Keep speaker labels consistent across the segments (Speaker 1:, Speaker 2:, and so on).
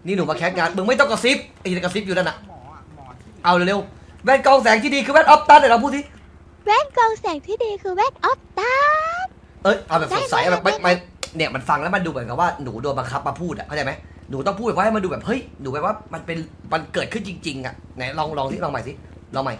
Speaker 1: นี่หนูมาแคสงานมึงไม่ต้องกระซิบไอ้กระซิบอยู่นั่นน่ะ
Speaker 2: หมอที่
Speaker 1: เอาเร็วๆแว่นกรองแสงที่ดีคือแว่นออฟตันเดี๋ยวเราพูดสิ
Speaker 3: แว่นกรองแสงที่ดีคือแว่นออฟตา
Speaker 1: เอาแบบสดใสแบบไม่เนี่ยมันฟังแล้วมันดูเหมือนกับว่าหนูโดนบังคับมาพูดอ่ะเข้าใจไหมหนูต้องพูดแบบว่าให้มันดูแบบเฮ้ยหนูแบบว่ามันเกิดขึ้นจริงๆอ่ะไหนลองที่ลองใหม่สิลองใหม่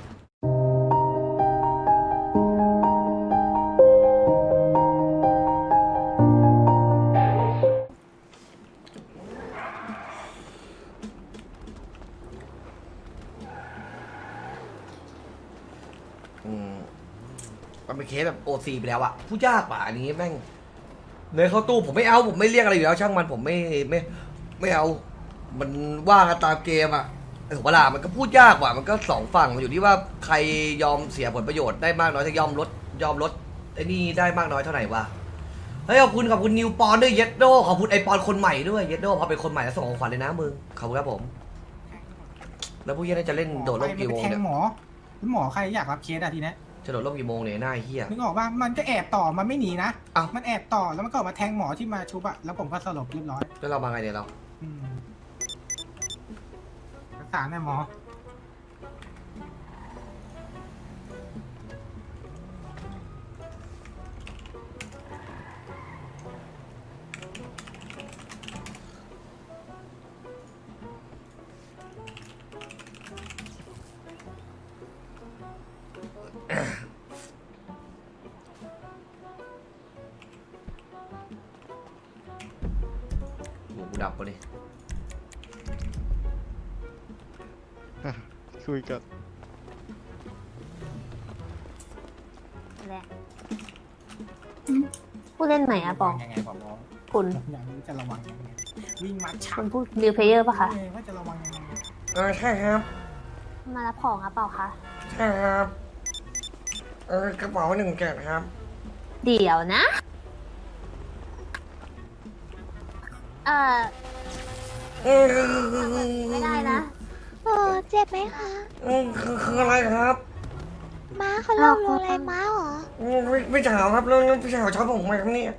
Speaker 1: มันเป็นเคสแบบโอซีไปแล้วอะพูดยากป่ะอันนี้แม่งเนยเข้าตู้ผมไม่เอาผมไม่เรียกอะไรอยู่แล้วช่างมันผมไม่เอา มันว่ากันตามเกมอะถูกปะล่ะมันก็พูดยากว่ะมันก็สองฝั่งมันอยู่ที่ว่าใครยอมเสียผลประโยชน์ได้มากน้อยจะยอมลดไอ้นี่ได้มากน้อยเท่าไหร่วะเฮ้ยขอบคุณนิวปอนด้วยเยดโดขอบคุณไอปอนคนใหม่ด้วยเยดโดพอเป็นคนใหม่แล้วส่งของขวัญเลยนะมึงขอบคุณครับผมแล้วพวกเหี้ยน่าจะเล่นโดดร่มกี่โมง
Speaker 2: แท
Speaker 1: เนี่ย
Speaker 2: งหมอใครอยากรับเคสอะทีนี้
Speaker 1: จะโดดร่มกี่โมงเนี่ยหน้าเหี้ย
Speaker 2: นึกออกว่ามันก็แอบต่อมันไม่หนีนะ
Speaker 1: อ้าว
Speaker 2: มันแอบต่อแล้วมันก็ออกมาแทงหมอที่มาชุบอะแล้วผมก็สลบเรียบร้อย
Speaker 1: แล้วเรามาไงเนี่ยเรา
Speaker 2: อืมรักษาแน่หมอ
Speaker 1: หูกูดับปะนี่
Speaker 4: คุยกัน
Speaker 5: แหละผู้เล่นใหม่อะบอก
Speaker 2: ยังไงบอกน้อง
Speaker 5: คุณ
Speaker 2: อย่างนี้จะระวังยังไงวิ่งมาชั
Speaker 5: คุ
Speaker 2: ก
Speaker 5: ณพูดนิวเพลเยอร์ปะคะ
Speaker 2: ว่าจะระวังยังไง
Speaker 1: ใช่ครับ
Speaker 5: มารับของอะเปล่าคะ
Speaker 1: ใช่ครับกระเป๋า1 แกะครับ
Speaker 5: เดี๋ยวนะ ไม่ได้นะ
Speaker 3: โอ้เจ็บไหมคะ
Speaker 1: คืออะไรครับ
Speaker 3: ม้าเขาลงอะไรม้าเหรอ
Speaker 1: พี่สาวครับแล้วพี่สาวชอบผมไหมครับเนี่ย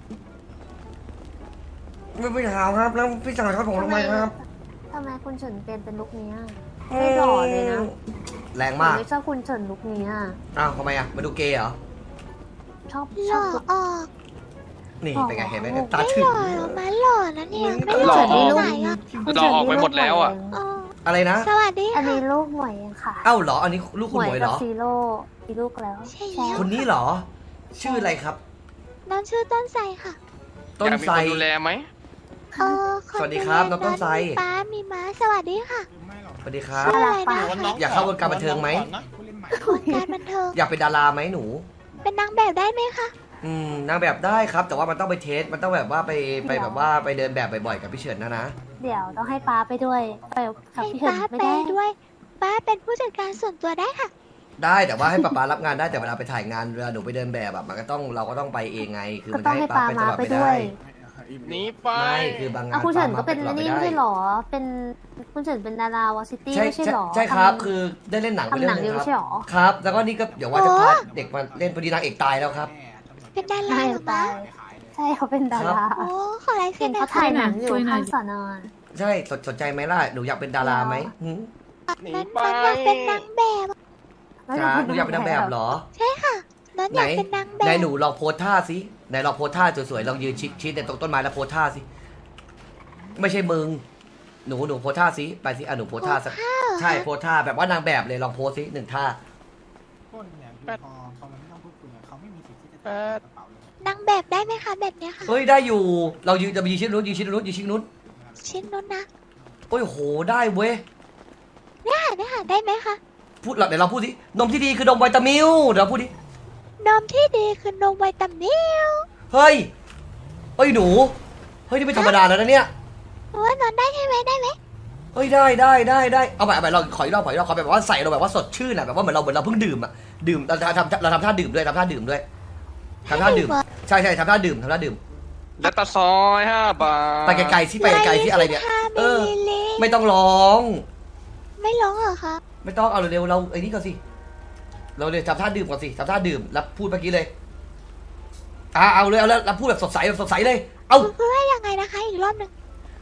Speaker 1: พี่สาวครับแล้วพี่สาวชอบผมทำไมครับ
Speaker 5: ทำไมคุณเฉินเป็นลุคนี้อะไม่หล่อเลยนะ
Speaker 1: แรง
Speaker 5: ผม
Speaker 1: มาก
Speaker 5: ไม่ชอบคุณเฉินลุคนี้อะ
Speaker 1: อ้าวทำไมอ่ะมาดูเกย์เหรอ
Speaker 5: ชอบ
Speaker 3: หล่อ
Speaker 5: ลุค
Speaker 3: ออก
Speaker 1: นี่เป็นไงเห็นไหมตา
Speaker 3: ไม่
Speaker 1: ถึ
Speaker 3: ห
Speaker 1: ง
Speaker 3: ล่อหรอม้าหล่อนะเนี่ยไม่
Speaker 5: คุณ
Speaker 3: หล่อ
Speaker 5: เฉินนี่ลูก
Speaker 3: ไหนอ่ะ
Speaker 5: คุณ
Speaker 4: เราออกไปหมดแล้วอะ
Speaker 3: อ๋อ
Speaker 1: อะไรนะ
Speaker 3: สวัสดี
Speaker 5: อัน
Speaker 3: ค่ะ
Speaker 5: นี้ลูกหมวยเองค่ะ
Speaker 1: เอ้าเหรออันนี้ลูก
Speaker 5: ห
Speaker 1: คุณ
Speaker 5: มวย
Speaker 1: หมวยเห
Speaker 5: กั
Speaker 1: ร
Speaker 5: บ
Speaker 1: อ
Speaker 5: ซีโร่มีลูกแล้ว
Speaker 3: ใช่แล้ว
Speaker 1: คนนี้เหรอ ชื่ออะไรครับ
Speaker 3: น้องชื่อต้นไทรค่ะ
Speaker 1: ต้น
Speaker 4: อยากมี
Speaker 1: ไทร
Speaker 4: คนดูแลไหม
Speaker 3: คน
Speaker 1: สวัสดีครับน้องต้นไทร
Speaker 3: มีป้ามีม้าสวัสดีค่ะ
Speaker 2: ไม่หรอก
Speaker 1: สวัสดีครับ
Speaker 3: ชื่ออะไรนะ
Speaker 1: อยากเข้าวงการบันเทิงไหม
Speaker 2: ผู้เล่นใหม่
Speaker 3: วงการบันเทิง
Speaker 1: อยากเป็นดาราไหมหนู
Speaker 3: เป็นนางแบบได้ไหมคะ
Speaker 1: นางแบบได้ครับ แต่ว่ามันต้องไปเทสมันต้องแบบว่าไปแบบว่าไปเดินแบบบ่อยๆกับพี่เฉินนะ
Speaker 5: เดี๋ยวต้องให้ป้าไปด้วยไปกับ
Speaker 3: ให้
Speaker 5: พี่เฉิน
Speaker 3: ป้า
Speaker 5: ไม่
Speaker 3: ไป
Speaker 5: ได้
Speaker 3: ด้วย ป้าเป็นผู้จัดการส่วนตัวได้ค่ะ
Speaker 1: ได้แต่ว่าให้ป๊ารับงานได้แต่เวลาไปถ่ายงานเวลาหนูไปเดินแบบอะมันก็ต้องเราก็ต้องไปเองไง คือ
Speaker 5: ก็
Speaker 1: มัน
Speaker 5: ต้อง
Speaker 1: ให้
Speaker 5: ให้
Speaker 1: ป๊า
Speaker 5: ป้า
Speaker 1: ไปตลอด
Speaker 5: มาไป
Speaker 1: ไม่
Speaker 5: ด้
Speaker 1: ได้
Speaker 5: วย
Speaker 4: หนีไป
Speaker 1: ไม่คือบางงาน
Speaker 5: คุณเฉิน
Speaker 1: ป๊า
Speaker 5: ก็เป็น
Speaker 1: มาตลอด
Speaker 5: นี่ไม่ใช่หรอ เป็นคุณเฉินเป็นดาราวอซิตี้
Speaker 1: ใช่
Speaker 5: ไม่ใช่หรอ
Speaker 1: ใช่ครับ
Speaker 5: ทำ
Speaker 1: คือได้เล่นหนังไป
Speaker 5: ทำ
Speaker 1: เรื่
Speaker 5: ห
Speaker 1: อ
Speaker 5: นั
Speaker 1: ง
Speaker 5: ง
Speaker 1: นึ
Speaker 5: อยู่
Speaker 1: ง
Speaker 5: ไม่
Speaker 1: ค
Speaker 5: ใช่
Speaker 1: รับ
Speaker 5: หรอ
Speaker 1: ครับ แล้วก็นี่ก็เดี๋ยวว่าจะพาเด็กมาเล่นพอดีนางเอกตายแล้วครับ
Speaker 3: เป็นดารา
Speaker 5: ไม่
Speaker 3: เหรอ
Speaker 5: ตา
Speaker 3: คะ
Speaker 5: ยใช่เขาเป็นดารา
Speaker 3: โอ้ขอลายเซ็
Speaker 5: เห็
Speaker 3: น
Speaker 5: น
Speaker 3: หน่
Speaker 5: เขา
Speaker 3: อย
Speaker 5: ถ่า
Speaker 3: ค่ะ
Speaker 5: ยหนังอยู่ข้างสอนอ
Speaker 1: ใช่สนใจไหมล่ะหนูอยากเป็นดาราไหมหืม
Speaker 4: หนี
Speaker 3: นั้น
Speaker 4: ไป
Speaker 3: มันอยากเป็นนางแบบ
Speaker 1: จ้าหนูอยากเป็นนางแบบเหรอ
Speaker 3: ใช่ค่ะนั้น
Speaker 1: ไห
Speaker 3: อน ยากเป็นนางแบ
Speaker 1: ไหน
Speaker 3: บ
Speaker 1: หนูลองโพสท่าสิไหนลองโพสท่าสวยๆลองยืนชิดในตรงต้นไม้แล้วโพสท่าสิไม่ใช่มึงหนูโพสท่าสิไปสิหนูโพสท่าสักใช่โพสท่าแบบว่านางแบบเลยลองโพสสิ1 ท่า
Speaker 2: คนเนี่ยพอมันไม่ต้องพูดคุยเขาไม่มีสิทธิ์ที่จะ
Speaker 4: แปด
Speaker 2: กระเป๋าเลย
Speaker 3: นางแบบได้ไหมคะแบบเนี้ยค่ะ
Speaker 1: เฮ้ยได้อยู่เรายืนจะไปยืนชิดนู้นยืนชิดนู้นยืนชิดนู้น
Speaker 3: ชิ้นนู้นนะ
Speaker 1: โอ้ยโหได้เว้ย
Speaker 3: เนี่ยค่ะได้ไหมคะ
Speaker 1: พูดเดี๋ยวเราพูดสินมที่ดีคือนมวิตามิลเดี๋ยวเราพูดดิ
Speaker 3: นมที่ดีคือนมวิตามิล
Speaker 1: เฮ้ยเฮ้ยหนูเฮ้ยนี่ไม่ธรรมดาแล้วนะเนี่ย
Speaker 3: ว่านอนได้ใช่ไหมได้ไหม
Speaker 1: เฮ้ยได้เอาไปเราขออีกรอบขอแบบว่าใส่เราแบบว่าสดชื่นอะแบบว่าเหมือนเราเพิ่งดื่มอะดื่มเราทำท่าดื่มด้วยทำท่าดื่มด้วยทำท่าดื่มใช่ทำท่าดื่ม
Speaker 4: และตาซอย5 บาท
Speaker 1: ไปไกลๆสิไปไกลๆสิอะไรเนี่ย
Speaker 3: 125
Speaker 1: เออ
Speaker 3: มิลลิลิตร
Speaker 1: ไม่ต้องร้อง
Speaker 3: ไม่ร้องเหรอคะ
Speaker 1: ไม่ต้องเอาเร็วๆเราไอ้นี่ก่อนสิเราเลยทำท่าดื่มก่อนสิทำท่าดื่มแล้วพูดเมื่อกี้เลยเอาเลยแล้วพูดแบบสดใสเลยเอา
Speaker 3: พูดว่ายังไงนะคะอีกรอบหนึ่ง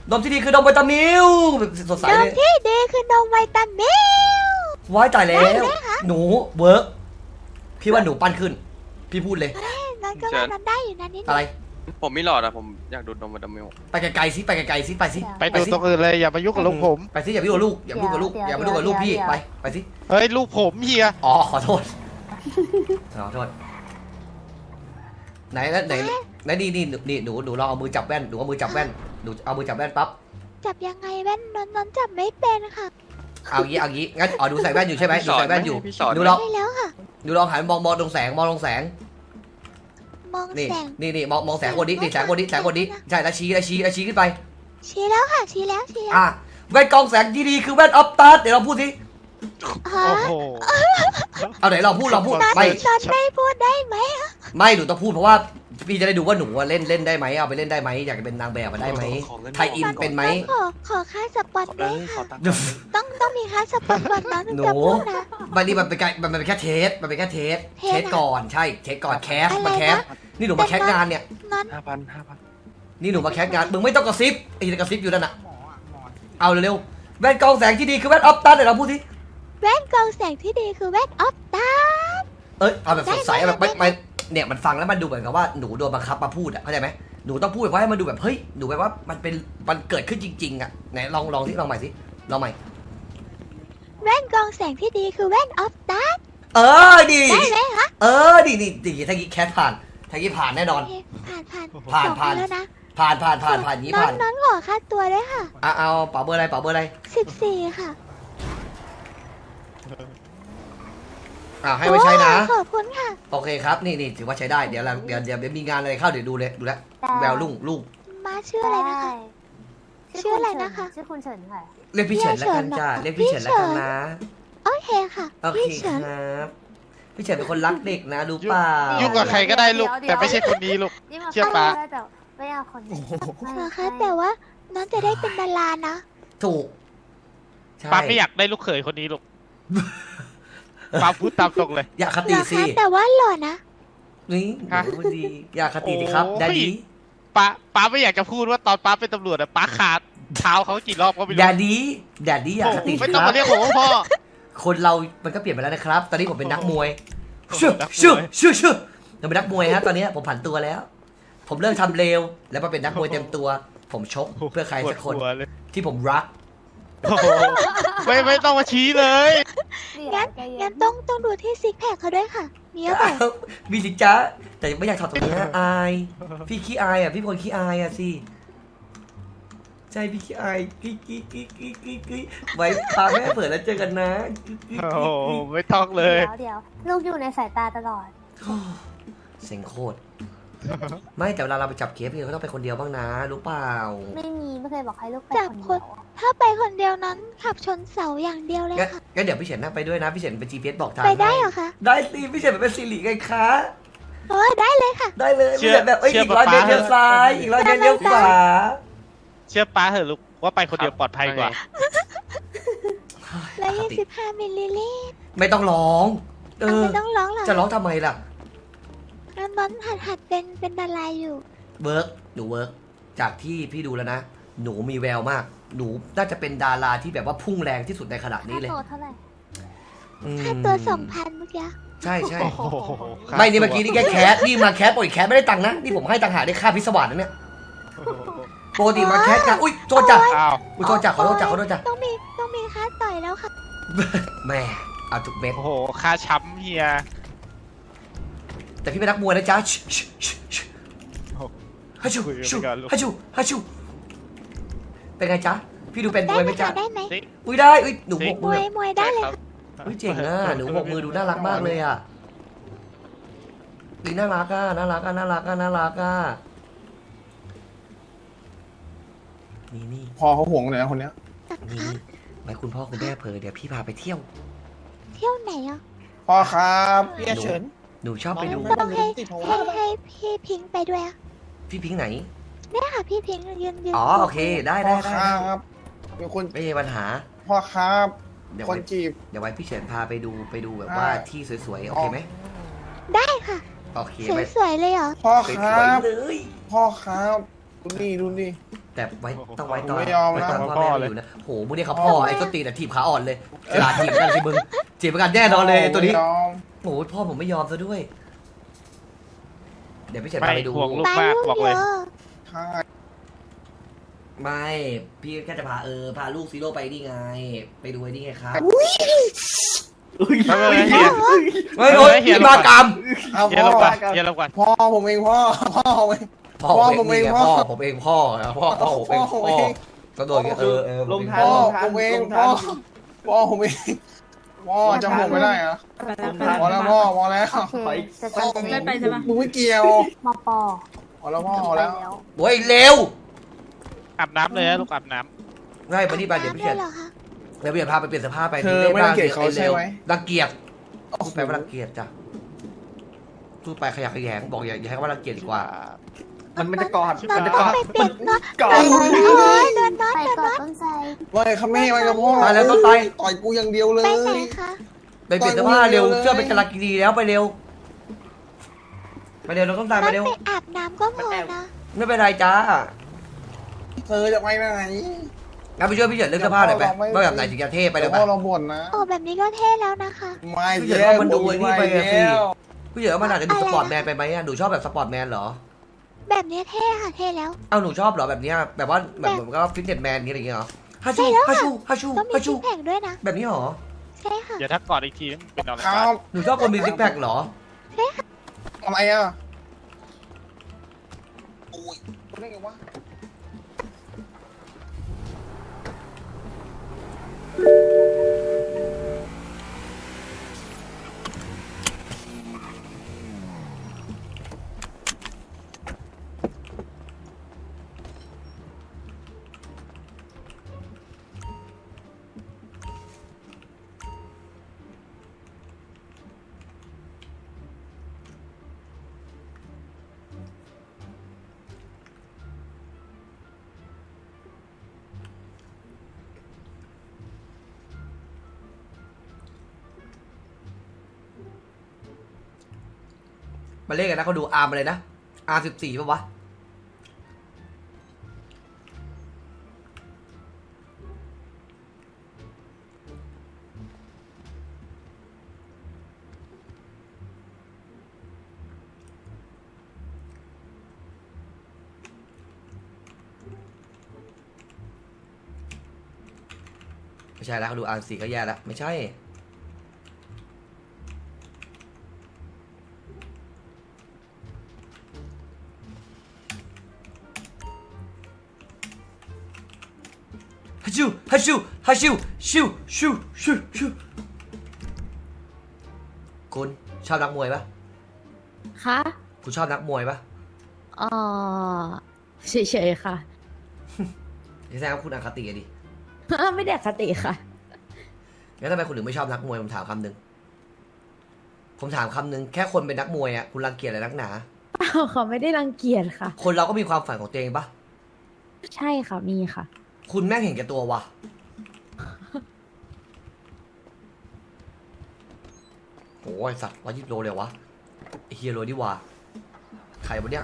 Speaker 1: นมที่ดีคือนมวิตามิลสดใส
Speaker 3: น
Speaker 1: เล
Speaker 3: ม
Speaker 1: ย
Speaker 3: ที่ดีคือนมวิตามิล
Speaker 1: ว้ายตายแล้
Speaker 3: ได้
Speaker 1: ว
Speaker 3: ไหมคะ
Speaker 1: หนูเวิร์กพี่ว่าหนูปั้นขึ้น พี่พูดเลย
Speaker 3: นอนก็ว่านอนได้อยู่นะนิด
Speaker 1: อะไร
Speaker 4: ผมมีหลอดอะผมอยากดูดนมวิตามิล
Speaker 1: ไปไกลๆสิไปไกลๆสิไปสิ
Speaker 6: ไปดูตรงอื่นเลยอย่ามายุ่งกับลูกผม
Speaker 1: ไปสิอย่าไปยุ่งกับลูกอย่าไปยุ่งกับลูกอย่าไปยุ่งกับลูกพี่ไปสิ
Speaker 6: เฮ้ยลูกผมเฮีย
Speaker 1: อ๋อขอโทษขอโทษไหนนี่หนูลองเอามือจับแว่นหนูเอามือจับแว่นหนูเอามือจับแว่นปั๊บ
Speaker 3: จับยังไงแว่นนอนจับไม่เป็นค่ะ
Speaker 1: เอางี้งั้นอ๋อหนูใส่แว่นอยู่ใช่ไหมหนูใส่แว่นอยู่
Speaker 4: พี่สอน
Speaker 1: หนูลอง
Speaker 3: ได้แล้วค่ะ
Speaker 1: หนูลองหันมองตรงแสงมองตรงแสง
Speaker 3: มอง
Speaker 1: นี่
Speaker 3: แสง
Speaker 1: นี่มองแสงคนนี้นี่แสงคนนี้ใช่แล้วชี้ขึ้นไป
Speaker 3: ชี้แล้วค่ะชี้แล้วชี้แล้ว
Speaker 1: อ่ะแว่นกรองแสงที่ดีคือแว่นออฟตัสเดี๋ยวเราพูดสิ
Speaker 3: ฮะ
Speaker 6: โอ้โห
Speaker 1: เอาไหนเราพูด
Speaker 3: นอน
Speaker 1: ไม่
Speaker 3: ไม่พูดได้ไหม
Speaker 1: ไม่หนูต้องพูดเพราะว่าพี่จะได้ดูว่าหนูเล่นได้ไหมเอาไปเล่นได้ไหมอยากจะเป็นนางแบบมาได้ไหมไทยอินเป็นไหม
Speaker 3: ขอค่าสปอนด้วย
Speaker 4: ขอ
Speaker 3: ค่ะ
Speaker 4: ตังค์
Speaker 3: ต้องมีค่าสปอนก่อนนอนถึง
Speaker 1: หนู
Speaker 3: จะพูดนะ
Speaker 1: มันนี่มันเป็นแค่เทสมันเป็นแค่เทส
Speaker 3: เท
Speaker 1: เท
Speaker 3: ส
Speaker 1: ส
Speaker 3: อะ
Speaker 1: ก่อนใช่เทสก่อนแคส
Speaker 3: อะไร
Speaker 1: มาแคส
Speaker 3: นะ
Speaker 1: นี่หนูมาแคสงานเนี่ย
Speaker 3: นอน
Speaker 4: 5,000
Speaker 1: นี่หนูมาแคสงานมึงไม่ต้องกระซิบไอ้ที่กระซิบอยู่นั่นน่ะ
Speaker 2: หมออ่ะหมอที่
Speaker 1: เอาเร็วๆแว่นกรองแสงที่ดีคือแว่นออฟตัสเดี๋ยวเราพูดสิ
Speaker 3: แว่นกรองแสงที่ดีคือแว่นออฟตา
Speaker 1: เอ้ยเอาแบบสดใส
Speaker 3: ได้
Speaker 1: แบบ
Speaker 3: ได้
Speaker 1: ไม่เนี่ยมันฟังแล้วมันดูเหมือนกับว่าหนูโดนบังคับมาพูดอะเข้าใจไหมหนูต้องพูดแบบว่าให้มันดูแบบเฮ้ยหนูแบบว่ามันเกิดขึ้นจริงๆอะไหนลองสิลองใหม่สิลองใหม่
Speaker 3: แว่นกรองแสงที่ดีคือแว่นออฟตา
Speaker 1: เออดี
Speaker 3: ได้ไหมคะ
Speaker 1: เออดีถ้ากี้แคสผ่านถ้ากี้ผ่านแน่นอน
Speaker 3: โอเคผ่าน
Speaker 1: ผ่าน
Speaker 3: สอง
Speaker 1: ผ่าน
Speaker 3: แล้วนะ
Speaker 1: ผ่านนี้ผ่าน
Speaker 3: นอนขอค่าตัวด้วยค่ะ
Speaker 1: เอาเป๋าเบอร์อะไร
Speaker 3: 14ค่ะ
Speaker 1: ให้ไว้ใช้นะ
Speaker 3: ขอบคุณค่ะ
Speaker 1: โอเคครับนี่ถือว่าใช้ได้เดี๋ยวมีงานอะไรเข้าเดี๋ยวดูเลยดูแลแววลูก
Speaker 3: มาชื่ออะไรนะคะ ชื่ออะไรนะคะ
Speaker 5: ชื่อคุณเฉินค่ะ
Speaker 1: เรียกพี่เฉินแล้วกันจ้าเรียกพี่เฉินแล้วกันนะ
Speaker 3: โอเคค่ะ
Speaker 1: โอเค
Speaker 3: พี่
Speaker 1: ค
Speaker 3: เฉิน
Speaker 1: รับพี่เฉินเป็นคนรักเด็กนะรู้เปล่า
Speaker 6: ยุ่งกับใครก็ได้ลูกแต่ไม่ใช่คนนี้ลูก
Speaker 5: นี่มา
Speaker 6: เชื่อปะ
Speaker 5: ได้แต่ไม่เอาคนนี้ไม่
Speaker 3: เหรอคะแต่ว่าน้องจะได้เป็นดารานะ
Speaker 1: ถูกใช่
Speaker 6: ป้าไม่อยากได้ลูกเขยคนนี้ลูกป้าพูดตามตรงเลย
Speaker 1: อย่าค
Speaker 3: เห
Speaker 1: ติ
Speaker 3: รอ
Speaker 1: สิ
Speaker 3: คะแต่ว่าหล่อนะ
Speaker 1: นี่
Speaker 6: ฮะ
Speaker 1: หนูพูดดีอย่าคติสิครับ
Speaker 6: โอ้ย
Speaker 1: ได้ดี
Speaker 6: ป้าไม่อยากจะพูดว่าตอนป้าเป็นตำรวจอะป้าขาดเท้าเขากี่รอบก็ไม่
Speaker 1: อ
Speaker 6: รู้
Speaker 1: ย่าดีอย่าคติสิ
Speaker 6: ไม่
Speaker 1: ค
Speaker 6: ต้อง
Speaker 1: รับ
Speaker 6: มาเรียกผมว่าพ่อ
Speaker 1: คนเรามันก็เปลี่ยนไปแล้วนะครับ ตอนนี้ผมเป็นนักมวย
Speaker 6: โอ้โห
Speaker 1: ชื่อ
Speaker 6: นักมวย
Speaker 1: ชื่อผมเป็นนักมวยฮะตอนนี้ผมผันตัวแล้ว ผมเลิกทำเลวแล้วมาเป็นนักมวยเต็มตัว ผมชกเพื่อใครสักคน
Speaker 6: ปวดหัวเลย
Speaker 1: ที่ผมรัก
Speaker 6: โอ้โหไม่ต้องมาชี้เลย
Speaker 3: งั้น งั้นต้องดูที่ซิกแพคเขาด้วยค่ะ มีหรือเปล่า
Speaker 1: มีสิจ้าแต่ไม่อยากถอดตรงนี้อายพี่ขี้อายอ่ะพี่เป็นคนขี้อายอ่ะสิใช่พี่ขี้อายกิ๊กไว้พาแม่เปิดแล้วเจอกันนะ
Speaker 6: โอ้โหไม่ต้องเลย
Speaker 5: เดี๋ยวลูกอยู่ในสายตาตลอด
Speaker 1: เซ็งโคตรไม่แต่เวลาเราไปจับเคสพี่ก็ต้องไปคนเดียวบ้างนะรู้เปล่า
Speaker 5: ไม่เคยบอกให้ลูกไป
Speaker 3: จับ
Speaker 5: คน
Speaker 3: ค
Speaker 5: เดี
Speaker 3: น
Speaker 5: ยว
Speaker 3: ถ้าไปคนเดียวนั้นขับชนเสาอย่างเดียวเลยค่ะ
Speaker 1: งั้นเดี๋ยวพี่เฉินนั่งไปด้วยนะพี่เฉินเป็น GPS บอกทาง
Speaker 3: ไปได้เหร
Speaker 1: ให้
Speaker 3: อคะ
Speaker 1: ได้สิพี่เฉินเป็นสิริไงคะ
Speaker 3: ได้เลยค่ะ
Speaker 1: ได้เลย
Speaker 6: เชื่
Speaker 1: พี่
Speaker 6: อ
Speaker 1: เฉินแบบเอ้ย
Speaker 6: เชื่อ
Speaker 1: อีกร้อยเมตร
Speaker 6: ป๊า
Speaker 1: เลี้ยวซ้ายอีกร้อยเมตรเลี้ยวขวา
Speaker 6: เชื่อป้าเถอะลูกว่าไปคนเดียวปลอดภัยกว่า
Speaker 3: 125มิลลิลิตร
Speaker 1: ไม่ต้องร้องเออ
Speaker 3: ไม่ต้องร้องหรอ
Speaker 1: จะร้องทำไมล่ะ
Speaker 3: น้องหัดเป็นดาราอยู่
Speaker 1: หนูเวิร์กจากที่พี่ดูแล้วนะ หนูมีแววมาก หนูน่าจะเป็นดาราที่แบบว่าพุ่งแรงที่สุดในขณะนี้
Speaker 5: ค่า
Speaker 1: เลย
Speaker 5: ตัวเท่าไหร่
Speaker 3: ค่าตัว 2,000 เมื่อกี้
Speaker 1: ใช่
Speaker 6: โอ้โห
Speaker 1: ไม่นี่เมื่อกี้นี่แค่แคสนี่มาแคสปล่อยแคสไม่ได้ตังค์นะนี่ผมให้ตังค์หาได้ค่าพิศวาสนะเนี่ยปกติมาแคสกันอุ้ยโทษจ้ะ
Speaker 6: อ้าว
Speaker 1: อุ้ยโทษจ้ะขอโทษจ้ะจ้ะ
Speaker 3: ต้องมีค่าต่อยแล้วค่ะ
Speaker 1: แม่เอาทุกเม็ด
Speaker 6: โอ้โหค่าช้ำเฮีย
Speaker 1: แต่พี่เป็นนักมวยนะจ๊ะฮัชชูฮัชชูเป็นไงจ๊ะพี่ดูเป็นม
Speaker 3: ได้
Speaker 1: วย
Speaker 3: ไห
Speaker 1: ไห
Speaker 3: ม
Speaker 1: มจ๊ะ
Speaker 3: คะได้ไหม
Speaker 1: อุ้ยได้อุ้ยหนูบก
Speaker 3: ม
Speaker 1: มื
Speaker 3: ว
Speaker 1: อย
Speaker 3: มวยได้เลยค่ะ
Speaker 1: อุ้ยเจ๋งอ่ะหนูบกมือดูน่ารักมากเลยอ่ะดีน่ารักอ่ะน่ารักอ่ะนี่
Speaker 2: พอเขาห่วงเลยนะคนเนี้ย
Speaker 1: นี่ไว้คุณพ่อคุณแม่เผลอเดี๋ยวพี่พาไปเที่ยว
Speaker 3: เที่ยวไหนอ่ะ
Speaker 2: พ่อครับพี่เฉิน
Speaker 1: หนูชอบไปดู
Speaker 3: ต้องให้พี่พิงค์ไปด้วยอะ
Speaker 1: พี่พิงค์ไหน
Speaker 3: เนี่ยค่ะพี่พิงค์ยืน
Speaker 1: อ๋อโอเคได้
Speaker 2: พ่อครับเป็นคน
Speaker 1: ไม่มีปัญหา
Speaker 2: พ่อครับ
Speaker 1: เดี๋ยว
Speaker 2: คน
Speaker 1: ไว้
Speaker 2: จีบ
Speaker 1: เดี๋ยวไว้พี่เฉินพาไปดูแบบว่าที่สวยๆโอเคไหม
Speaker 3: ได้ค่ะ
Speaker 1: โอเคไหม
Speaker 3: สวยๆเลยเหรอ
Speaker 2: พ่อ
Speaker 1: ส
Speaker 2: ครั
Speaker 1: วย
Speaker 2: บ
Speaker 1: ๆเลย
Speaker 2: พ่อครับดูนี่ดูนี่
Speaker 1: แต่ไว้ต้องไว้ตอน
Speaker 2: ผมไม่ยอมนะ
Speaker 1: ไว้ตอนพ่อแม่ไม่อยู่นะโหมึงเนี่ยเขาพ่อไอ้ต้นตีนแต่ทีบขาอ่อนเลยเวลาทีบกันสิมึงทีบกันแน่นอนเลยไอ้ตัวนี้
Speaker 2: ไม่ยอม
Speaker 1: โอ้ยพ่อผมไม่ยอมซะด้วย เดี๋ยวพี่เฉิน
Speaker 6: ไม่
Speaker 1: พาไปดู
Speaker 6: ห่วงลูก
Speaker 3: ตาย
Speaker 6: มาก
Speaker 3: ลูก
Speaker 6: บอก
Speaker 3: เย
Speaker 6: เลย
Speaker 3: อะ
Speaker 2: ใช่
Speaker 1: ไม่พี่แค่จะพาพาลูกซีโร่ไปนี่ไง ไปดูไอ้นี่ไงครับ
Speaker 6: ไม่เป็นไรเฮีย
Speaker 1: ไม่โอ้ย
Speaker 6: เฮีย
Speaker 1: พี่มากรรม
Speaker 2: เอา
Speaker 6: เฮีย
Speaker 2: พ่
Speaker 6: ล
Speaker 2: อง
Speaker 6: ก่อนเฮียลงก่อน
Speaker 2: พ่อผมเองพ่อผมเอง
Speaker 1: พ่อ
Speaker 2: พ่อ
Speaker 1: ผมเอง
Speaker 2: ผมเอง
Speaker 1: พ่อ
Speaker 2: พ่อ
Speaker 1: ผมเองพ่อพ่อผมเอง
Speaker 2: พ่อผม
Speaker 1: พ่อ
Speaker 2: เอง
Speaker 1: ก็โดนผมเอง
Speaker 2: พ่อผมเองพ่อผมเองพ่อจำผมไม่ได้เหรอพอแล้วพ่อพอแล้ว
Speaker 5: โอเคจะจำเป็น
Speaker 7: ไม่ไปใช่ปะ
Speaker 2: มึงไม่เกี่ยว
Speaker 5: มปอ
Speaker 2: พอแล้วพ่อพอ
Speaker 5: ไป
Speaker 2: แล้ว
Speaker 5: แล้ว
Speaker 1: โอ้ยเร็ว
Speaker 6: อาบน้ำเลยนะลูกอาบน้
Speaker 1: ง่ายไปนี่ไปเดี๋ยวพี่
Speaker 3: ได้
Speaker 1: เฉิน
Speaker 3: เหรอคะ
Speaker 1: เดี๋ยวพี่เฉินพาไปเปลี่ยนเสื้อผ้าไป
Speaker 2: เธอไม่รังเกียจเขาใช่ไหม
Speaker 1: รังเกียจพูดไปว่ารังเกียจจ้ะพูดไปขยะแขยงบอกอย่าให้คำว่ารังเกียจดีกว่า
Speaker 8: มันจะกอด
Speaker 3: เรา
Speaker 8: มันจะ
Speaker 3: ต้
Speaker 8: ก
Speaker 3: อง
Speaker 8: อด
Speaker 3: ไปเปลี่ยนเนาะ
Speaker 8: กอ
Speaker 3: ไป
Speaker 8: ด
Speaker 3: เลยเดินน็อต
Speaker 5: ไป
Speaker 3: เดิน
Speaker 5: ก่อ
Speaker 3: น็อต
Speaker 5: นต้นไทร
Speaker 2: ว่าเขาไม่ให้ไว้กับพ่อ
Speaker 1: ตายแล้วต้นไทร
Speaker 2: ต่อยกูอย่างเดียวเลย
Speaker 3: ไปไหนคะ
Speaker 1: ไปเปลี่ยนเสื้อผ้าเร็ว
Speaker 2: ต่อยมือเร็วเลย
Speaker 1: เสื้อเป็นกาลากินีแล้วไปเร็วไปเร็วเราต้องตาม
Speaker 3: น็
Speaker 1: ไป
Speaker 3: อต
Speaker 1: เร็ว
Speaker 3: ไปอาบน้ำก็พอนะ
Speaker 1: ไม่เป็นไรจ้า
Speaker 2: เธอจะไปไหน
Speaker 1: งั้นไปช่วยพี่เฉินเรื่องเสื้อผ้าหน่อยไป
Speaker 2: เราไม่
Speaker 1: ว่าแบบไหนถึงจะเท่ไป
Speaker 2: ไป
Speaker 1: เลย
Speaker 2: พ่
Speaker 1: ปะ
Speaker 2: อเราบ่นนะ
Speaker 3: โอ้แบบนี้ก็เท่แล้วนะคะ
Speaker 2: ไม่
Speaker 1: พี่เฉิน
Speaker 2: แย่
Speaker 1: ว่ามันดูไอ้นี่ไปอะสิ
Speaker 2: แล้ว
Speaker 1: พี่เฉินว่ามันอาจจะดูสปอร์ตแมนไปไหมอะหนูชอบแบบสปอร์ตแมนเหรอ
Speaker 3: แบบนี้เท่ค่ะเท่แล้ว
Speaker 1: เอ้าหนูชอบเหรอแบบเนี้ยแบบว่าแบบเหมือนก็ฟิตเนสแมนอะไรอย่างเงี้ยเหรอฮัชชู
Speaker 3: ใช่แล้ว
Speaker 1: ฮัช
Speaker 3: ค่ะ
Speaker 1: ชูฮัชชู
Speaker 3: ก็มี
Speaker 1: ฮัช
Speaker 3: ซิ
Speaker 1: ชู
Speaker 3: กแพคด้วยนะ
Speaker 1: แบบนี้เหรอ
Speaker 3: ใช่ค่ะ
Speaker 6: ำเดี๋ยวถ้ากอดอีกทีเป็นอะไร
Speaker 2: ครับ
Speaker 1: หนูชอบคนมีซิกแพคเหรอ
Speaker 2: อะไรอ่ะโอ้ยได้ไงวะ
Speaker 1: มาเล่นกันนะเขาดูอาร์มอะไรนะอาร์14ป่ะวะไม่ใช่แล้วเขาดูอาร์4ก็แย่แล้วไม่ใช่ ฮัชชูฮัชชูฮัชชูชูชูชูชูคุณชอบนักมวยปะ
Speaker 7: คะ
Speaker 1: คุณชอบนักมวยปะ
Speaker 7: อ๋อเฉยๆค่ะ
Speaker 1: แสดงว่าคุณอคติอะดิ
Speaker 7: ไม่ได้อคติค่ะ
Speaker 1: งั้นทำไมคุณถึงไม่ชอบนักมวยผมถามคำหนึ่งผมถามคำหนึ่งแค่คนเป็นนักมวยอ่ะคุณรังเกียจอะไรนักหนา
Speaker 7: เขาไม่ได้รังเกียจค่ะ
Speaker 1: คนเราก็มีความฝันของตัวเองปะ
Speaker 7: ใช่ค่ะ มีค่ะ
Speaker 1: คุณแม่งเห็นแก่ตัววะโอ้ยสัตว์120 โลเลยวะไอเฮียโรดีว่าใครวะเนี่ย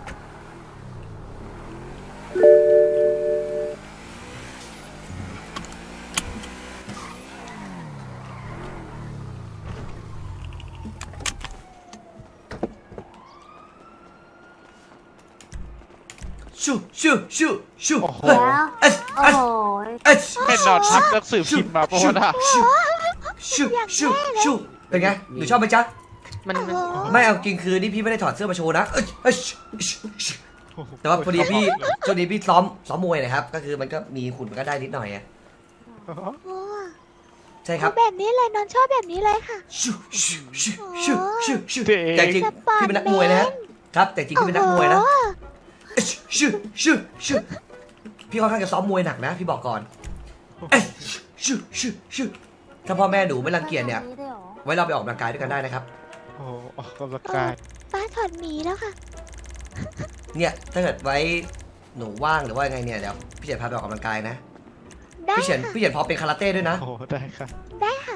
Speaker 1: ชูชูชูชู
Speaker 6: โอ้โห
Speaker 5: แล้ว
Speaker 1: เอส
Speaker 5: โอ้
Speaker 1: เอส
Speaker 5: โห
Speaker 1: เอส
Speaker 6: ให้นอนทับหนังสือพิมพ์มาเพราะว่าน่ะ
Speaker 1: ชูชูชูเป็นไงหนูชอบไหมจ๊ะ
Speaker 7: มัน
Speaker 3: โอ้โห
Speaker 1: ไม่เอาจริงคือนี่พี่ไม่ได้ถอดเสื้อมาโชว์นะแต่ว่าพอดีพี่ช่วงนี้พี่ซ้อมมวยนะครับ ก็คือมันก็มีขุนมันก็ได้นิดหน่อยอะ
Speaker 3: โอ้
Speaker 1: ใช่ครับ
Speaker 3: แบบนี้เลยนอนชอบแบบนี้เลยค่ะ
Speaker 1: ชูชูชูชูชูชูแต่จริงพี่เป็นนักมวยนะฮะครับแต่จริงพี่เป็นนักมวยนะชูชูชูพี่ค่อนข้างจะซ้อมมวยหนักนะ พี่บอกก่อนชูชูชูถ้าพ่อแม่หนูไม่รังเกียจเนี่ย
Speaker 5: ด้วยหรอ
Speaker 1: ไว้เราไปออกกำลังกายด้วยกันได้นะครับ
Speaker 6: โอ้โหออกกำลังกาย
Speaker 3: ป้าถอดหมีแล้วค่ะ
Speaker 1: เนี่ยถ้าเกิดไว้หนูว่างหรือว่าไงเนี่ยเดี๋ยวพี่เฉินพาไปออกกำลังกายนะ
Speaker 3: ได้
Speaker 1: พี่เฉิน
Speaker 3: ค่ะ
Speaker 1: พี่เฉินพอเป็นคาราเต้ด้วยนะ
Speaker 6: โอ้โหได้ค่ะ
Speaker 3: ได้ค่ะ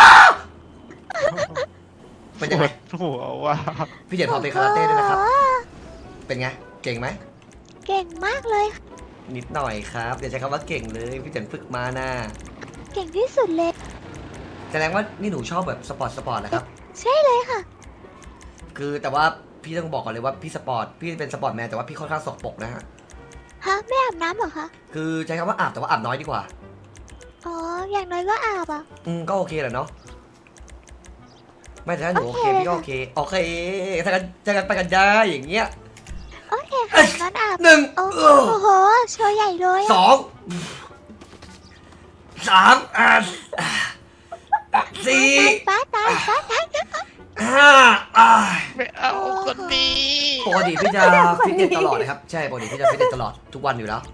Speaker 1: เป็นยังไง
Speaker 6: ปวดหัวว่า
Speaker 1: พี่เฉินพอเป็นคาราเต้ด้วยนะครับ เป็นไง เก่งไหม
Speaker 3: เก่งมากเลยค่ะ
Speaker 1: นิดหน่อยครับอย่าใช้คำว่าเก่งเลยพี่เฉินฝึกมานะ
Speaker 3: เก่งที่สุดเลย
Speaker 1: แสดงว่านี่หนูชอบแบบสปอร์ตนะครับ
Speaker 3: ใช่เลยค่ะ
Speaker 1: คือแต่ว่าพี่ต้องบอกก่อนเลยว่าพี่สปอร์ตพี่เป็นสปอร์ตแมนแต่ว่าพี่ค่อนข้างสกปรกนะฮะ
Speaker 3: ฮะไม่อาบน้ำเหรอคะ
Speaker 1: คือใช้คำว่าอาบแต่ว่าอาบน้อยดีกว่า
Speaker 3: อ๋อ อย่างน้อยก็อาบอ่ะ
Speaker 1: ก็โอเคแหละเนาะไม่แต่ถ้าหนูโอเค
Speaker 3: โอเค
Speaker 1: พี่ก็โอเคโอเคถ้ากันไปกันได้อย่างเงี้ย
Speaker 3: โอเคค่ะงั้นอาบ
Speaker 1: หนึ่ง
Speaker 3: โอ้โหโชว์ใหญ่เลย
Speaker 1: ส
Speaker 3: อะ
Speaker 1: องสามสี่
Speaker 3: ป้าตาย
Speaker 1: ห้า
Speaker 6: ไม่เอาคนดี
Speaker 1: ปกติพี่จะฟิตเนสตลอดนะครับใช่ปกติพี่จะฟิตเนสตลอดทุกวันอยู่แล้ว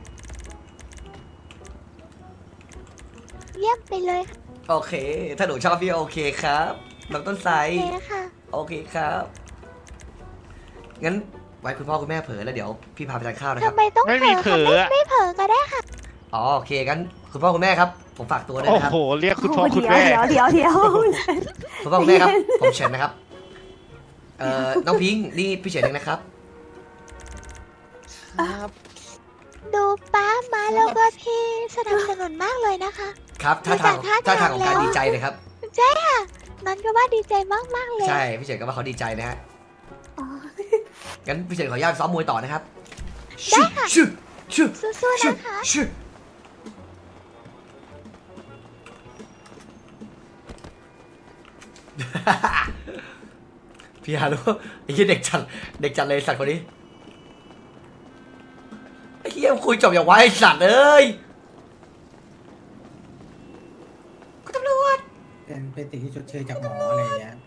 Speaker 3: เยี่ยมไปเลยค่ะ
Speaker 1: โอเค ถ้าหนูชอบพี่โอเคครับน้องต้นไทร
Speaker 3: โอเคค่ะ
Speaker 1: โอเคครับงั้นไว้คุณพ่อคุณแม่เผลอแล้วเดี๋ยวพี่พาไปทานข้าวนะค
Speaker 3: ทำ
Speaker 1: รับ
Speaker 3: ไมต้อง
Speaker 6: ไม่
Speaker 3: เผล
Speaker 6: มี
Speaker 3: อ
Speaker 6: เผล
Speaker 3: ค่ะ
Speaker 6: ออะ
Speaker 3: ไม่เผลอก็ได้ค่ะ
Speaker 1: อ๋อโอเคงั้นคุณพ่อคุณแม่ครับผมฝากตัวด้วย
Speaker 6: โอ้
Speaker 1: นะครับ
Speaker 6: โห เรียกคุณพ่อคุณแม่
Speaker 5: เดี๋ยว
Speaker 1: คุณพ่อคุณแม่ครับผมเฉินนะครับน้องพิงค์นี่พี่เฉินเองนะครับ
Speaker 2: ครับ
Speaker 3: ดูป้ามาแล้วก็พี่สนับสนุนมากเลยนะคะ
Speaker 1: ครับท่าทาง
Speaker 3: ดูจาก
Speaker 1: ท่า
Speaker 3: ท่า
Speaker 1: ทางของการ
Speaker 3: แล้ว
Speaker 1: ดีใจเลยครับ
Speaker 3: ใช่ค่ะนันก็ว่าดีใจมากๆเลย
Speaker 1: ใช่พี่เฉินก็ว่าเขาดีใจนะฮะ
Speaker 3: อ๋อ
Speaker 1: งั้นพี่เฉินขออนุญาตซ้อมมวยต่อนะครับ
Speaker 3: ได้ค่ะ
Speaker 1: ชื่อชื่อ
Speaker 3: สู้ๆ
Speaker 1: ชื่อ
Speaker 3: นะคะ
Speaker 1: ชื่อพี่ฮารุไอ้เหี้ยเด็กจัดเลยสัตว์คนนี้ไอ้เหี้ยคุยจบอย่างไวไอ้สัตว์เอ้ยคุณตำรวจ
Speaker 8: เป็นสิ่งที่ชดเชยจากหมออะไรอย่างเงี้ย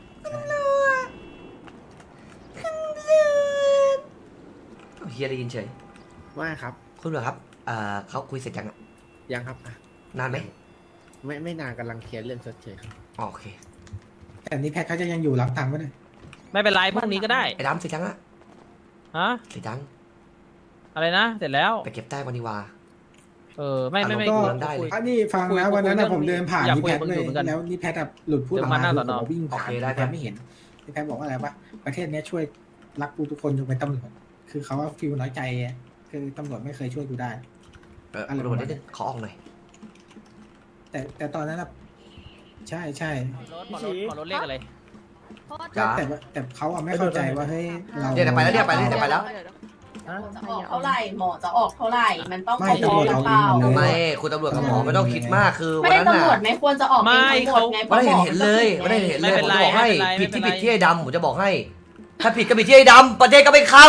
Speaker 1: เฮียได้ยินเฉย
Speaker 8: ว่าครับ
Speaker 1: คุณเหรอครับเขาคุยเสร็จยังอะ
Speaker 8: ยังครับอ่ะ
Speaker 1: นานไหม
Speaker 8: ไม่นานกำลังเคลียร์เรื่องชดเชยครับ
Speaker 1: อ๋อโอเค
Speaker 9: แต่นี่แพทเขาจะยังอยู่รับตังค์ไว้เลย
Speaker 6: ไม่เป็นไรพรุ่งนี้ก็ได้
Speaker 1: ไอ้ดำเสร็จยังอะ
Speaker 6: ฮะ
Speaker 1: เสร็จยัง
Speaker 6: อะไรนะ เสร็จแล้ว
Speaker 1: ไปเก็บใต้วันนี้วา
Speaker 6: ไม่
Speaker 1: ก็
Speaker 6: คุย
Speaker 1: ได้เลย
Speaker 9: อันนี้ฟัง
Speaker 6: คุย
Speaker 9: นะวันนั้น
Speaker 6: คุย
Speaker 9: นะผมเดินผ่าน
Speaker 6: อยาก
Speaker 9: นี่
Speaker 6: คุย
Speaker 9: แพท
Speaker 6: กับ
Speaker 9: เลย
Speaker 6: มึงอยู่เหมือนกัน
Speaker 9: แล้วนี่แพทหลุดพูดออก
Speaker 6: เดี๋ยวมา
Speaker 9: มา
Speaker 6: หน้าสอนอ
Speaker 9: ผมวิ่งผ่าน
Speaker 1: โอเคได้
Speaker 9: นี่แพทไม่เห็นนี่แพทบอกว่าอะไรวะประเทศเนี้ยช่วยรักกูทุกคนยกเว้นตำรวจคือเขาว่าฟิลน้อยใจอะคือตำรวจไม่เคยช่วยกูได้
Speaker 1: คุณตำรวจนิดนึงขอออกหน่อย
Speaker 9: แต่ตอนนั้นนะใช่ใช่
Speaker 6: ขอรถเลขอะไร
Speaker 1: จ้า
Speaker 9: แต่เขาอะไม่เข้าใจว่าเฮ้ยเรา
Speaker 1: เดี๋ยวไปแล้วเดี๋ยวไปแล้วเดี๋ยวไปแล้ว
Speaker 10: จะออกเท่าไหร่หมอจะออกเท่าไหร่ มันต้อง
Speaker 9: ไม่
Speaker 10: พอ
Speaker 9: ตำรวจ
Speaker 10: หรือ
Speaker 9: เอา
Speaker 10: เป
Speaker 9: เอง
Speaker 10: ล่า
Speaker 9: หมดเลย
Speaker 1: ไม่คุณตำรวจกับหมอไม่ต้องคิดมากคือวัน
Speaker 10: ไม่ได้
Speaker 1: นั้น
Speaker 10: ตำรวจ
Speaker 1: น่ะ
Speaker 10: ไม่ควรจะออกเองทั้งหมดไง
Speaker 1: วันนั้นเห็นเลยวันนั้นเห็นเลยผมจะบอกให้ผิดที่ผิดที่ไอ้ดำผมจะบอกให้ ถ้าผิดก็ผิดที่ไอ้ดำประเทศก็ไม่เข้า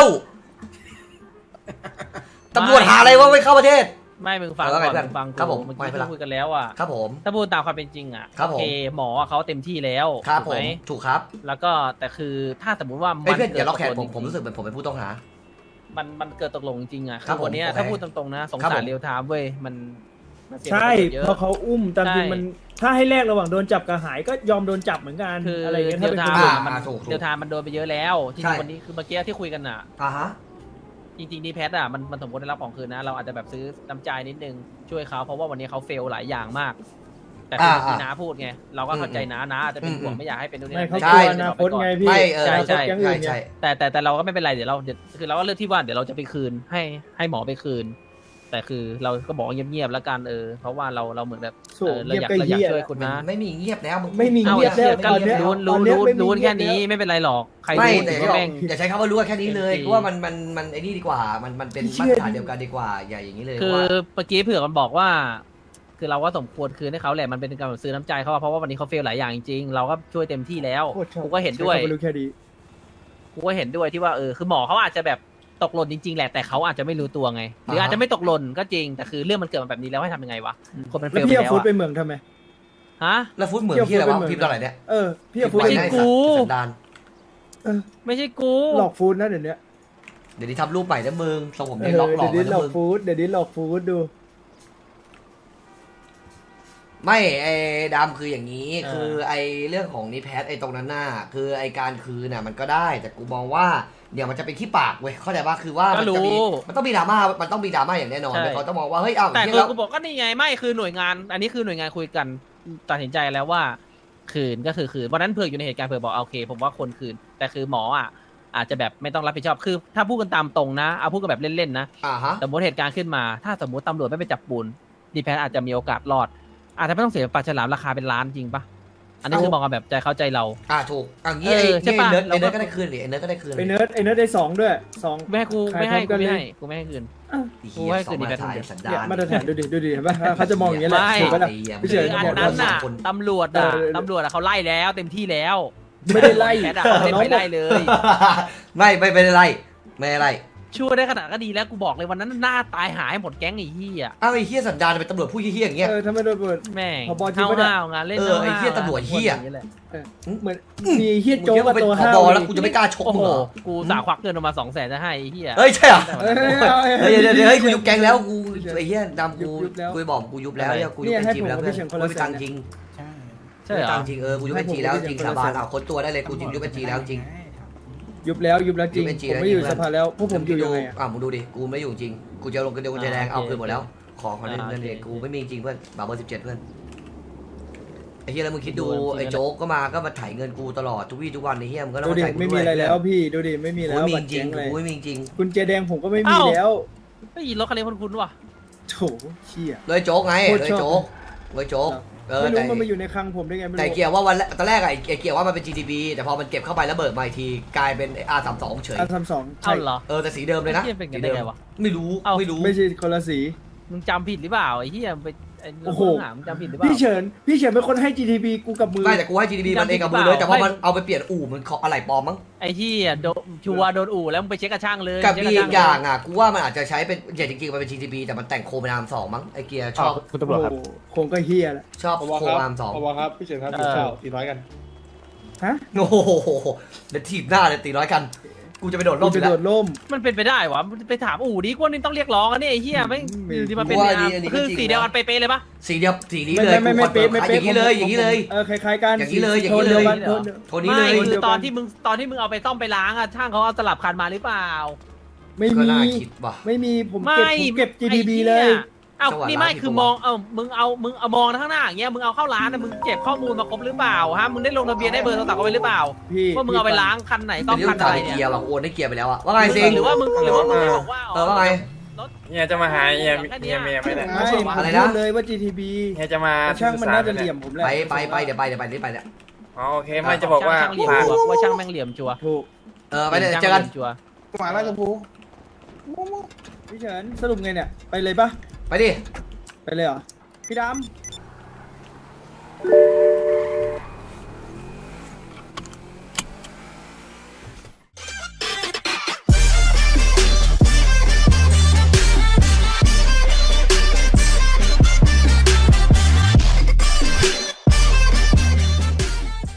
Speaker 1: ตำรวจหาอะไรว่าไม่เข้าประเทศ
Speaker 6: ไม่มึงฟัง
Speaker 1: เอา
Speaker 6: ก่
Speaker 1: ไง
Speaker 6: อน
Speaker 1: เพื่อน
Speaker 6: มึงฟัง
Speaker 1: ครับผม
Speaker 6: เมื่อ
Speaker 1: ไม่
Speaker 6: กี้
Speaker 1: เป็นไร
Speaker 6: ที่คุยกันแล้วอ่ะ
Speaker 1: ครับผม
Speaker 6: ถ้าพูดตามความเป็นจริงอ่ะ
Speaker 1: ครับ
Speaker 6: โอเคหมอเขาเต็มที่แล้ว
Speaker 1: ครับ
Speaker 6: ถูก
Speaker 1: ผ
Speaker 6: ไห
Speaker 1: มถูกครับ
Speaker 6: แล้วก็แต่คือถ้าสมมติว่า
Speaker 1: ไอ้ยเพื่อน
Speaker 6: กิ
Speaker 1: อย่าล็อกแขน
Speaker 6: ต
Speaker 1: ผมรู้สึกเหมือนผมเป็นผู้ต้องหา
Speaker 6: มันเกิดตกลงจริงๆอ่ะ
Speaker 1: ครับผม
Speaker 6: วันเนี้ย
Speaker 1: โอเค
Speaker 6: ถ้าพูดตรงๆนะสง
Speaker 1: ครับ
Speaker 6: สา
Speaker 1: ผ
Speaker 6: ร
Speaker 1: ม
Speaker 6: เรียวไทม์เว้ยมันเสีย
Speaker 11: ใช่
Speaker 6: ประโยชน์เยอะ
Speaker 11: เพราะเขาอุ้มตามจริง
Speaker 6: ใช่
Speaker 11: มันถ้าให้แลกระหว่างโดนจับกับหายก็ยอมโดนจับเหมือนกัน
Speaker 6: คือ
Speaker 11: อะไรอย่างเงี้ย
Speaker 6: เรี
Speaker 11: ถ้า
Speaker 6: ยว
Speaker 11: เป็น
Speaker 6: ไท
Speaker 11: คน
Speaker 6: ม์
Speaker 11: อื่น
Speaker 6: อะมัน
Speaker 1: ถูก
Speaker 6: เรียวไทม์มันโดนไปเยอะแล้วจ
Speaker 1: ใช่
Speaker 6: ริงๆวันนี้คือเมื่อกี้ที่คุยกันอ่ะ
Speaker 1: ฮะ
Speaker 6: จริงๆดีแพทอ่ะมันสมควรได้รับของคืนนะ เราอาจจะแบบซื้อน้ำใจนิดนึงช่วยเขาเพราะว่าวันนี้เขาเฟลหลายอย่างมาก แต่คือที่น้าพูดไงเราก็เข้าใจน้าอาจจะเป็นห่วงไม่อยากให้เป็นนู่นนี่
Speaker 11: ไม่
Speaker 6: นั่น
Speaker 11: เขา
Speaker 1: ใช่
Speaker 11: กลัวอนาคตไงพี่
Speaker 1: ไม่
Speaker 6: ใช่
Speaker 11: อนาคตอย่างอื่น
Speaker 1: ใช่
Speaker 11: เนี่ย
Speaker 6: แต่เราก็ไม่เป็นไรเดี๋ยวคือเราก็เลือกที่ว่าเดี๋ยวเราจะไปคืนให้หมอไปคืน แต่คือเราก็บอกเงียบๆแล้วกันเพราะว่าเราเหมือนแบบ
Speaker 11: โถ่
Speaker 6: เราอยาก
Speaker 11: เงียบก็เหี้ย
Speaker 6: ช่วยคุณนะ
Speaker 1: ไม่มีเงียบแล้วมึง
Speaker 11: ไม่มี
Speaker 6: เอา
Speaker 11: เงียบ
Speaker 6: เสียกัน
Speaker 11: ตอนเนี้ย
Speaker 6: รู้
Speaker 11: ตอนเนี้ยไม่มี
Speaker 6: รู้
Speaker 11: เงียบ
Speaker 6: แค่นี้
Speaker 11: แล้ว
Speaker 6: ไม่เป็นไรหรอกใคร
Speaker 1: ไม่
Speaker 6: รู้
Speaker 1: แต่
Speaker 6: ก็แม่ง
Speaker 1: อย่าใช้คำว่ารู้แค่นี้เลย
Speaker 6: จริง
Speaker 1: เพราะว่ามันไอ้นี่ดีกว่ามันเป็น
Speaker 11: เชื่
Speaker 1: มาต
Speaker 11: อ
Speaker 1: รฐานเดียวกันดีกว่าอย่าอย่างนี้เลย
Speaker 6: คือ
Speaker 1: ว่า
Speaker 6: เมื่อกี้เผื่อมันบอกว่า คือเราก็สมควรคืนให้เขาแหละมันเป็นการแบบซื้อน้ำใจเขาเพราะว่าวันนี้เขาเฟลหลายอย่างจริงๆเราก็ช่วยเต็มที่แล้ว
Speaker 11: โคตรชอบ
Speaker 6: กูก็เห็นด้วย
Speaker 11: ใช้คำารู้แค่ดี
Speaker 6: กูก็เห็นด้วยที่ว่าคือหมอเขาอาจจะแบบตกหล่นจริงๆแหละแต่เขาอาจจะไม่รู้ตัวไงหรืออาจจะไม่ตกหล่นก็จริงแต่คือเรื่องมันเกิดมาแบบนี้แล้วให้ทำยังไงวะคนมันเฟ
Speaker 11: แล้ว
Speaker 6: ลไป
Speaker 11: พี่เอา
Speaker 6: แล้ว
Speaker 11: ฟุตไป
Speaker 6: อะ
Speaker 11: เมืองทำไม
Speaker 6: ฮะ
Speaker 1: แล้วฟุตเหมือนที่อะไรวะพิมพ์ตอนไหนเนี่ย
Speaker 11: พี่เอาฟุต
Speaker 6: ไม่
Speaker 11: ไป
Speaker 6: ใช่
Speaker 11: ไหน
Speaker 6: กู
Speaker 1: สันดาน
Speaker 6: ไม่ใช่กู
Speaker 11: หลอกฟุตนะเดี๋ยวนี้
Speaker 1: เดี๋ยวนี้ทำรูปใหม่นะมึงทรงผม
Speaker 11: เอ
Speaker 1: เนี่ย
Speaker 11: อ
Speaker 1: หลอก
Speaker 11: เดี๋ยวนี้
Speaker 1: นะ
Speaker 11: หลอก
Speaker 1: มึง
Speaker 11: ฟุตเดี๋ยวนี้หลอกฟุตดู
Speaker 1: ไม่ไอ้ดำคืออย่างนี้คือไอ้เรื่องของนิแพทไอ้ตรงนั้นน่ะคือไอ้การคืนน่ะมันก็ได้ แต่กูมองว่าเดี๋ยวมันจะเป็นขี้ปากเว้ยเข้าใจป่ะคือว่า
Speaker 6: ก็
Speaker 1: มันจะมี
Speaker 6: รู้
Speaker 1: มันต้องมีดราม่ามันต้องมีดราม่าอย่างแน่นอน
Speaker 6: ใช่
Speaker 1: เลยเขาต้องมองว่าเฮ้ยเอา
Speaker 6: แต่
Speaker 1: เหี้ย
Speaker 6: คือ
Speaker 1: แล้ว
Speaker 6: กูบอกก็นี่ไงไม่คือหน่วยงาน อันนี้คือหน่วยงานคุยกันตัดสินใจแล้วว่า คืนก็คือคืนวันนั้นเผือกอยู่ในเหตุการณ์เผือกบอกโอเค ผมว่าคนคืน แต่คือหมออ่ะอาจจะแบบไม่ต้องรับผิดชอบคือถ้าพูดกันตามตรงนะเอาพูดกันแบบเล่นๆนะ
Speaker 1: ฮะ
Speaker 6: สมมติเหตุการณ์ขึ้นมา ถ้าสมมติตำรวจไม่ไปจับปูนดีแพทอาจจะมีโอกาสรอด อาจจะไม่ต้องเสียปลาฉลามราคาเป็นล้านจริงปะอันนี้คือมองกันแบบใจเข้าใจเรา
Speaker 1: ถูกงี้ไอ้
Speaker 6: ใช่ปะ
Speaker 1: เนิร์ดก็ได้คืนดิไอ้เนิร์ดก็ได้คืน
Speaker 11: ไอเนิร์ดได้2ด้วย2
Speaker 6: ไม่ให้กู
Speaker 11: ขาย
Speaker 6: ไม่ให้
Speaker 11: พร้อมกั
Speaker 6: กู
Speaker 11: น
Speaker 6: ไม่
Speaker 11: เลย
Speaker 6: ให้กูไม่ให้คืน
Speaker 1: เหี้ย
Speaker 6: กูให้
Speaker 1: สอ
Speaker 6: คื
Speaker 1: ง
Speaker 6: นดี
Speaker 1: มา
Speaker 6: แพ
Speaker 1: ตร
Speaker 6: ท
Speaker 1: ฐาน
Speaker 6: เดียว
Speaker 1: สัน
Speaker 11: เนี่ย
Speaker 1: ดาน
Speaker 11: มาตรฐานดูดิเห็นปะเขาจะมองอย่างเงี้ยแหละ
Speaker 6: ไม่
Speaker 11: ถูกปะล่ะ พี่เฉิน
Speaker 6: คืออันนั้นน่ะตำรวจเขาไล่แล้วเต็มที่แล้ว
Speaker 11: ไม่ได้ไล่
Speaker 6: แพทอะเขาไม่ได้ไปไล่เลย
Speaker 1: ไม่ได้ไล่ไม่ได้ไล่
Speaker 6: ช่วยได้ขนาดก็ดีแล้วกูบอกเลยวันนั้นหน้าตายหายให้หมดแก๊งไอ้เหี้ย
Speaker 1: อ้าวไอ้เหี้ยสันดานเป็นตำรวจผู้เหี้ยอย่างเงี้ย
Speaker 11: ถ้าไม่โดนเปิด
Speaker 6: แม่ง
Speaker 11: ผบจริงปะเนี่ย
Speaker 6: ห้าวๆงานเล่น
Speaker 1: ไอ้เหี้ยตำรวจเหี้ย
Speaker 11: เหมือนมีเฮียโจ๊ก
Speaker 1: มึ
Speaker 11: กับ
Speaker 1: งคิด
Speaker 11: ตัว
Speaker 1: ว่า
Speaker 11: ห้า
Speaker 1: เป็นผ
Speaker 11: ว
Speaker 1: บแล้วกูจะไม่กล้าชก
Speaker 6: โอ้
Speaker 1: มึ
Speaker 6: โห
Speaker 1: งเหรอ
Speaker 6: กูสาควักเงินออกมา200,000จะให้ไอ้เหี้ย
Speaker 1: เฮ้ยใช่เหรอ
Speaker 11: เฮ้ย
Speaker 1: เฮ้ยเดี๋ยวกูยุบแก๊งแล้วกูไอ้เหี้ยดำกูกูบอกกูยุบแล้วกูยุบเป็นจีแล้วเพื่อนกูไม่ตังจริง
Speaker 9: ใช่
Speaker 6: ใช่เหรอ
Speaker 1: ตังจริงกูยุบเป็นจีแล้วจริงสาบานค้นตัวได้เลยกูจริงยุบเป็นจีแล้วจริง
Speaker 11: ยุบแล้วจริง
Speaker 1: ยุบเป็นจริง
Speaker 11: ผมไม่อยู่สภาแล้วพวกผมอยู่ยังไงอะ
Speaker 1: มึงดูดิกูไม่อยู่จริงกูจะลงกันเดียวกูจะแดงเอาคืนหมดแล้วขอเงินเด็กกูไม่มีจริงเพื่อนบาร์เบอร์17เพื่อนไอ้เหี้ยแล้วมึงคิดดูไอ้โจ๊กก็มาถ่ายเงินกูตลอดทุกวี่ทุกวันไอ้เหี้ยมึงก็ต้อ
Speaker 11: ดู
Speaker 1: ง
Speaker 11: ดิ
Speaker 1: จ่ายกู
Speaker 11: ไม่
Speaker 1: ด้
Speaker 11: มี
Speaker 1: วย
Speaker 11: อะไรแล้วพี่ดูดิไม่มีแล้ว
Speaker 1: กูไม่มี
Speaker 11: บัตร
Speaker 1: จริ
Speaker 11: แจ้
Speaker 1: ง
Speaker 11: งเลย
Speaker 1: กูไม่มีจริง
Speaker 11: กุญแจแดงผมก็ไม่มีแล้ว
Speaker 6: เฮ้ยรถคันนี้คุ้นๆว่ะ
Speaker 11: โถเชี่ย
Speaker 1: เลยโจ๊กไง
Speaker 11: โคตร
Speaker 1: เลย
Speaker 11: ชอบ
Speaker 1: โจ๊กเลยโจ๊ก
Speaker 11: ไม่รู้
Speaker 1: แต่
Speaker 11: มันมาอยู่ในคลังผมได้ไงไม่
Speaker 1: แต่
Speaker 11: รู้
Speaker 1: เกียร์ว่าวันตอนแรกไอ้เกียร์ว่ามันเป็น GTB แต่พอมันเก็บเข้าไปแล้วเบิกมาอีกทีกลายเป็น R32 เฉย
Speaker 11: R32
Speaker 6: เอ้าเหรอ
Speaker 1: แต่สีเดิมเลยนะ
Speaker 6: ไอ้เหี้ยเป็นกันได้ไงวะ
Speaker 1: ไม่รู้ไม่รู้
Speaker 11: ไม่ใช่คนละสี
Speaker 6: มึงจำผิดหรือเปล่าไอ้เหี้ยไปไอ้
Speaker 11: โอ้โห
Speaker 6: หามึงจำผิดหรือเปล่า
Speaker 11: พี่เฉินเป็นคนให้ GTP กูกับมือ
Speaker 1: ไม่แต่กูให้ GTB มันเองกับมือเลยแต่พอมันเอาไปเปลี่ยนอู่มันอะไรปลอมมั้ง
Speaker 6: ไอ้เหี้ยชัวร์โดนอู่แล้วมึงไปเช็คกระช่างเลย
Speaker 1: กับ
Speaker 6: เช็ค
Speaker 1: มี
Speaker 6: กระ
Speaker 1: อี
Speaker 6: ช่าง
Speaker 1: กอย่างกูว่ามันอาจจะใช้เป็นจริงๆมันเป็น GTB แต่มันแต่งโคเป็น R2 มั้งไอ้เกียร์ชอบ
Speaker 11: คุณตำรวจครับคงก็เฮียแหละ
Speaker 1: ชอบโค R2
Speaker 2: ครับพี่เฉินครับอยู่เช่า400กัน
Speaker 11: ฮะ
Speaker 1: โอ้โหเดี๋ยวถีบหน้าเลยตีร้อยกันกูจะไปโดดร่ม
Speaker 11: ไป
Speaker 1: อยู่แล้
Speaker 11: โด
Speaker 1: ว
Speaker 11: ดร่ม
Speaker 6: มันเป็นไปได้วะไปถามอู่ดิกว่านี่ต้องเรียกร้องอันนี้ไอ้เหี้ยไม่อยู่ที่มันเป็น
Speaker 1: ว่าอันนี้ก็
Speaker 6: คือ
Speaker 1: จริง
Speaker 6: สีเดียวกันเป๊ะๆเลยปะ
Speaker 1: สีเดียวสีนี้เลย
Speaker 11: ไม่
Speaker 1: กูคอนเฟิร์ม
Speaker 11: ไม่
Speaker 1: อย่างนี้เลยอย่างนี้เลย
Speaker 11: คล้ายๆกัน
Speaker 1: อย่างนี้เลย
Speaker 11: โทนดีวกัน
Speaker 6: อย่างนี้เลย
Speaker 11: โทนเดียว
Speaker 1: โทนี้เลย
Speaker 6: ไม่คือ
Speaker 11: เดียวกัน
Speaker 6: ตอนที่มึงเอาไปซ่อมไปล้างอะช่างเขาเอาสลับคันมาหรือเปล่า
Speaker 11: ไม่
Speaker 1: ก็
Speaker 11: มี
Speaker 1: น่าคิดว่ะ
Speaker 11: ไม่มีผม
Speaker 6: ไม่
Speaker 11: เก็บ GTP
Speaker 6: ไอ้หี้
Speaker 11: เลย
Speaker 6: เอ้า
Speaker 1: จังหวะ
Speaker 6: นี่ไม่
Speaker 1: ร้าน
Speaker 6: คือ
Speaker 1: ผิดปะ
Speaker 6: มองมึงเอามองข้างหน้าอย่างเงี้ยมึงเอาเข้าร้านนะมึงเก็บข้อมูลมาครบหรือเปล่าฮะมึงได้ลงทะเบียนได้เบอร์โทรศัพท์เอาไว้หรือเปล่า
Speaker 11: พี่
Speaker 6: ว่ามึงเอาไปล้างคันไหนซ่อม
Speaker 1: เดี๋ยว
Speaker 6: คัน
Speaker 1: จ่า
Speaker 6: อะไร
Speaker 1: ย
Speaker 6: เนี่
Speaker 1: เกีย
Speaker 6: ย
Speaker 1: ร์ว่ะโอนได้เกียร์ไปแล้วอะว่าไงซิง
Speaker 6: หรือว่ามึงไม่บอกว่า
Speaker 1: ว่าไง
Speaker 8: เนี่ยจะมาหาเมีย
Speaker 6: แค่เนี้ย
Speaker 8: ไม่ได้
Speaker 11: ไม่ผม
Speaker 1: อะไรนะ
Speaker 11: พูดเลยว่า GTP
Speaker 8: เนี่ยจะมา
Speaker 11: ช่างมันน่าจะเหลี่ยมผมแหละ
Speaker 1: ไปเดี๋ยวไปรีบไปเนี่ย
Speaker 8: อ๋อโอเคไม่จะบอกว่า
Speaker 6: ช่างเหลี่ยมชัวร์ว่าช่างแม่งเหลี่ยมชัวร์
Speaker 11: ถูก
Speaker 1: ไปเลยเจอกัน
Speaker 6: ชัวร์
Speaker 2: หมาราชภูมิ
Speaker 11: พี่เฉินสรุปไงเนี่ย ไปเลยปะ
Speaker 1: ไปดิ
Speaker 11: ไปเลยเหรอ พี่ด